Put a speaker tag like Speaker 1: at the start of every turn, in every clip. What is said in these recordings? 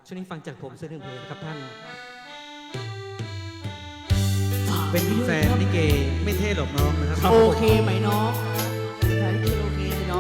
Speaker 1: ช่วงนี้ฟังจากผมสักหนึ่งเพลงนะครับท่านเป็นแฟนลิเกไม่เท่หรอกน้องนะครับ
Speaker 2: โอเคไหมน้องใช่โอเคไหมน้อง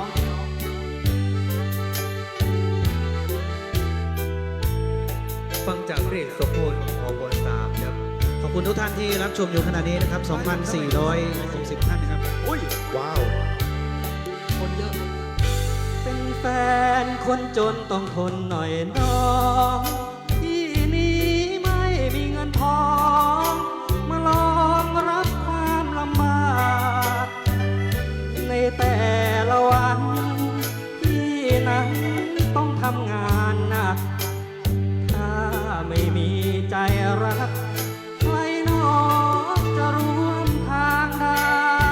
Speaker 1: ฟังจากเพลงสมโภชของบนสามครับขอบคุณทุกท่านที่รับชมอยู่ขณะนี้นะครับ 2,460 ท่านนะครับ
Speaker 3: อุ้ยว้าว
Speaker 2: คนเยอะ
Speaker 1: เป็นแฟนคนจนต้องทนหน่อยน้องที่นี้ไม่มีเงินทองมาลองรับความลำบากในแต่ละวันที่นั้นต้องทำงานหนักถ้าไม่มีใจรักใครหนอจะร่วมทางได้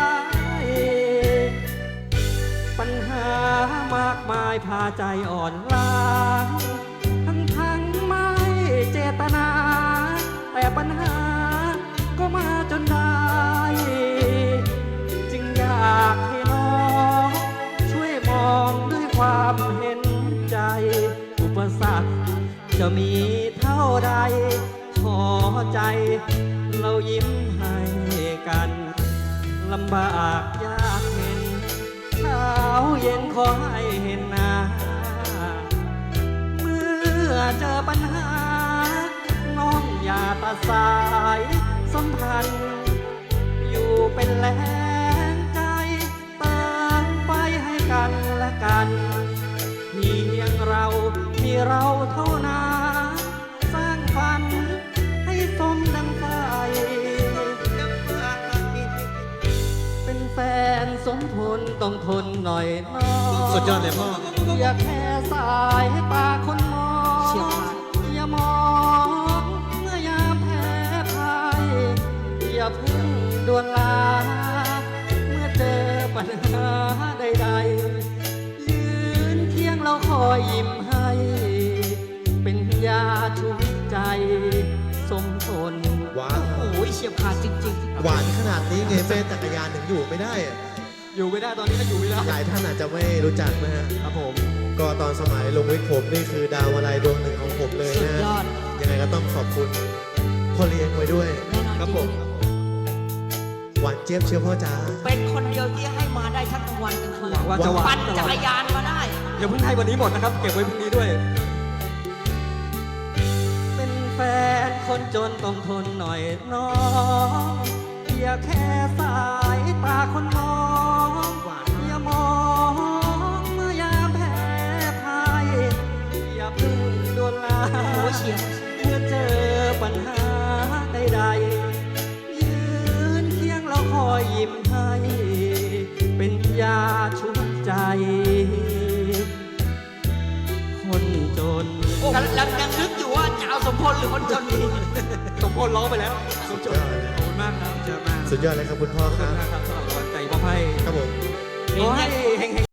Speaker 1: ปัญหามากมายพาใจอ่อนล้าทั้งไม่เจตนา แต่ปัญหาก็มาจนได้ จึงอยากให้น้องช่วยมองด้วยความเห็นใจ อุปสรรคจะมีเท่าใด ขอใจเรายิ้มให้กันลำบากยากเห็นเช้าเย็นขอให้เห็นหน้าเมื่อเจอปัญหาน้องอย่าตัดสายสัมพันธ์อยู่เป็นแรงใจเติมไฟให้กันและกันเพียงเรามีเราเท่านั้นสร้างฝันให้สมดังไฟเป็นแฟนสมพลต้องทนหน่อยน้องสุดยอดเลยพ่ออย่าแค่สายตาคนมองอย่ามองเมื่อยามแพ้พ่ายอย่าพึ่งด่วนลาเมื่อเจอปัญหาใดๆยืนเคียงเราคอยยิ้มให้เป็นยาชุบใจสมทน
Speaker 3: ว้าว
Speaker 2: โอ้ยเฉียบขาดจริง
Speaker 3: หวานขนาดนี้ไงแฟนจักรยานถึงอยู่ไม่ได้อะ
Speaker 1: อยู่ไม่ได้ตอนนี้ก็อยู่ไม่ได้
Speaker 3: หลายท่านอาจจะไม่รู้จักนะฮะ
Speaker 1: ครับผม
Speaker 3: ก็ตอนสมัยลงวิกผมนี่คือดาวอะไรดวงหนึ่งของผมเลย
Speaker 2: ๆ สุด
Speaker 3: นะ
Speaker 2: ยอด
Speaker 3: ยังไงก็ต้องขอบคุณพ่อเลี้ยงไว้ด้วย
Speaker 2: แน่นอน
Speaker 1: ครับ
Speaker 2: จ
Speaker 1: ผ
Speaker 2: ริ
Speaker 1: ม
Speaker 2: ง
Speaker 3: หวานเจี๊ยบเชียวพ่อจ๋า
Speaker 2: เป็นคนเดียวที่ให้มาได้ทั้งกลางวันกลางคืน
Speaker 1: หวังว่าจะหวา
Speaker 2: ปั่
Speaker 1: น
Speaker 2: น
Speaker 1: ตล
Speaker 2: จั
Speaker 1: อด
Speaker 2: กรยานมาได้
Speaker 1: อย่าเพิ่งให้วันนี้หมดนะครับ เก็บไว้พรุ่งนี้ด้วย เป็นแฟนคนจนต้องทนหน่อยน้องอย่าแค่สายตาคนมองอย่ามองเมื่อยามแพ้พ่ายอย่าเพึ่งโดนลา
Speaker 2: โอ้ยเฉียบ
Speaker 1: เมื่อเจอปัญหาใดๆยืนเคียงเราคอยยิ้มให้ เป็นยาชุบใจ คนจน
Speaker 2: กำลังยังนึกอยู่ว่าจะเอาสมพลหรือคนจนดี
Speaker 1: สมพลร้องไปแล้วสมจนขอบคุณมากครับเจอมาก
Speaker 3: สุดยอดเลยครับคุณพ่อ
Speaker 1: ขอบ
Speaker 3: ค
Speaker 1: คุณ
Speaker 3: รับ
Speaker 1: มากครับสำหรับกำลังใจมอบให้
Speaker 3: ครับผม
Speaker 1: ขอให้เฮง